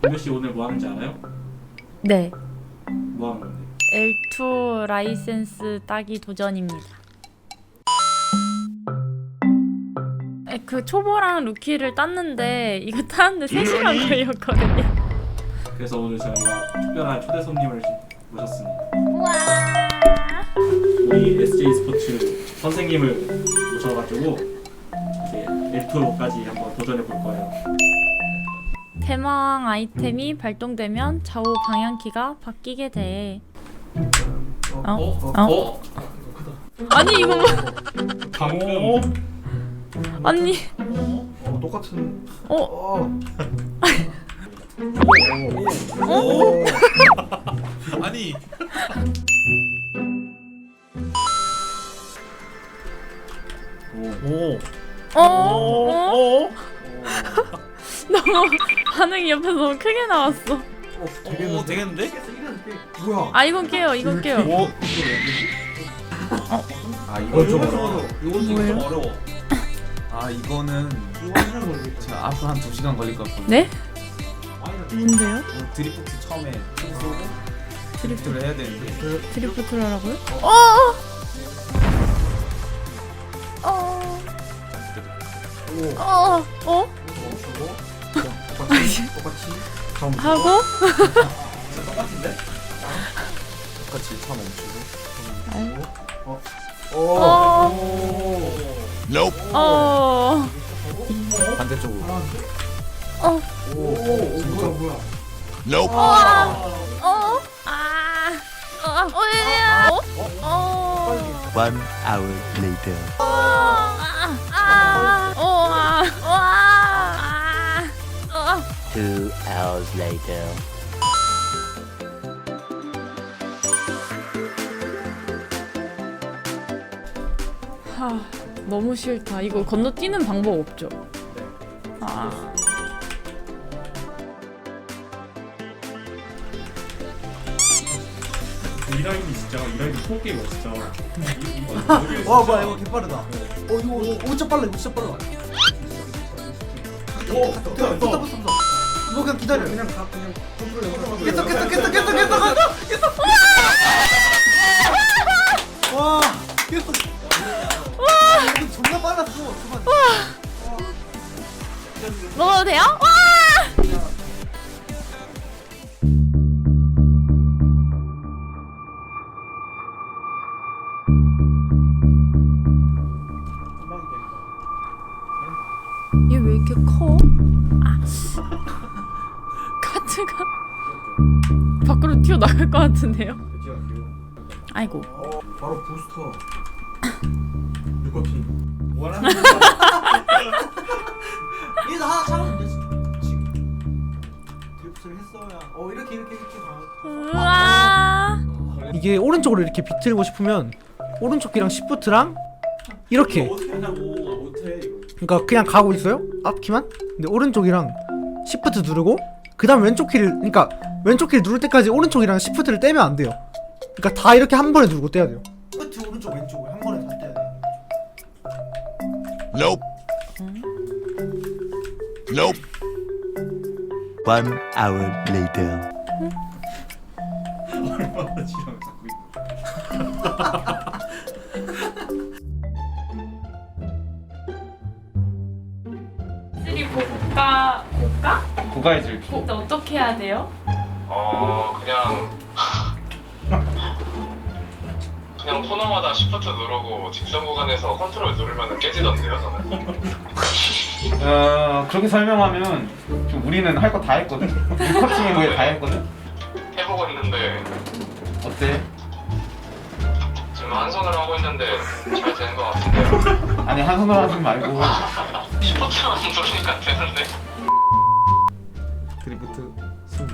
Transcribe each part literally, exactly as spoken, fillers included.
은별씨 오늘 뭐 하는지 알아요? 네. 뭐 하는 건데? 엘 투 라이센스 따기 도전입니다. 에, 그 초보랑 루키를 땄는데 이거 따는데 세 시간 걸렸거든요. 그래서 오늘 저희가 특별한 초대 손님을 모셨습니다. 우와. 우리 에스제이 스포츠 선생님을 모셔가지고 이제 엘 투로까지 한번 도전해 볼 거예요. 대망 아이템이 발동되면 좌우 방향키가 바뀌게 돼. 어? 어? 어? 어? 아니 이거 뭐? 방금 아니. 어, 똑같은. 어? 어. 어? 아니 오. 어? 어? 너무 반응이 옆에서 너무 크게 나왔어. 어, 오 되겠는데? 뭐야? 아 이건 깨요. 이건 깨요. 오. 아 이거 좀 어려워. 이건 뭐예요? 좀 어려워. 아 이거는 제가 앞으로 한 두 시간 걸릴 것 같거든요. 네? 뭔데요? 어, 드리프트 처음에 쭉 쏘고 드리프트를 해야 되는데. 드리프트를 하라고요? 어! 어! 오. 어! 어? 멈추고. 똑같이 똑같이 차 멈추고. 하고? 똑같은데? 똑같이 차 멈추고. 아유. 어. 어. 오. 어! 반대쪽으로. 어! 오. 오. 뭐야 뭐야. 어! 어! 아! 어! 어! 얘야! 어? 어! One hour later. 어! 아! 아! 어! 아! 어! 아! 아! 어! Two hours later. 하, 너무 싫다. 이거 건너뛰는 방법 없죠? 아. 이 라인이 진짜 이 라인이 소게임이야 진짜. 와 뭐야 이거 개빠르다. 어 이거 이거 진짜 빨라 이거 진짜 빨라. 오, 붙어 붙어 붙어 붙어. 이거 그냥 기다려. 그냥 가 그냥 컨트롤. 계속 계속 계속 계속 계속 계속. 와 계속. 와 이거 존나 빨랐어. 잠깐. 먹어도 돼요? 와! 얘 왜 이렇게 커? 아. 카트가 밖으로 튀어나갈 것 같은데요? 아이고. 어 바로 부스터. 육각기. 원하는 얘도 하나 참으면 되지. 지금 드리프트를 했어야. 어 이렇게 이렇게 이렇게 가. 우와. 이게 오른쪽으로 이렇게 비틀고 싶으면 오른쪽 키랑 시프트랑 이렇게, 어떻게 하냐고 못해 이거. 그러니까 그냥 가고 있어요 앞키만. 근데 오른쪽이랑 시프트 누르고 그 다음 왼쪽 키를, 그러니까 왼쪽 키를 누를 때까지 오른쪽이랑 시프트를 떼면 안 돼요. 그러니까 다 이렇게 한 번에 누르고 떼야 돼요. 시프트 오른쪽 왼쪽을 한 번에 다 떼야 돼. Nope. Nope. One hour later. 얼마나 지랄을 갖고 있는 쓰리 고가 고가? 고가의 질주. 근데 어떻게 해야 돼요? 어 그냥 그냥 코너마다 시프트 누르고 직선 구간에서 컨트롤 누르면 깨지던데요 저는. 어 그렇게 설명하면 좀 우리는 할 거 다 했거든. 커팅에 뭐에 다 했거든. 해보고 있는데 어때? 지금 한 손으로 하고 있는데 잘 되는 것 같은데요. 아니 한 손으로 하지 말고 시프트만 누르니까 되는데. 드리프트 스무.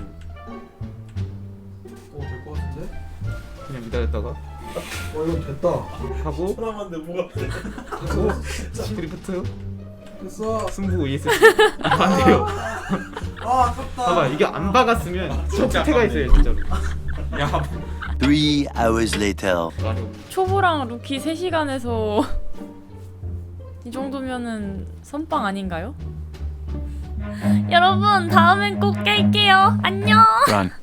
어될 것 같은데? 그냥 기다렸다가 어 이거 됐다. 하고 사람한테 뭐가 돼? 하고 드리프트 됐어. 승부 이에스씨 안 돼요. 아 아깝다. 봐봐 이게 안 박았으면 적태가 있어요 진짜로. 야 Three hours later. 초보랑 루키 세 시간에서 이 정도면은 선빵 아닌가요? 여러분 다음엔 꼭 깰게요. 안녕. Run.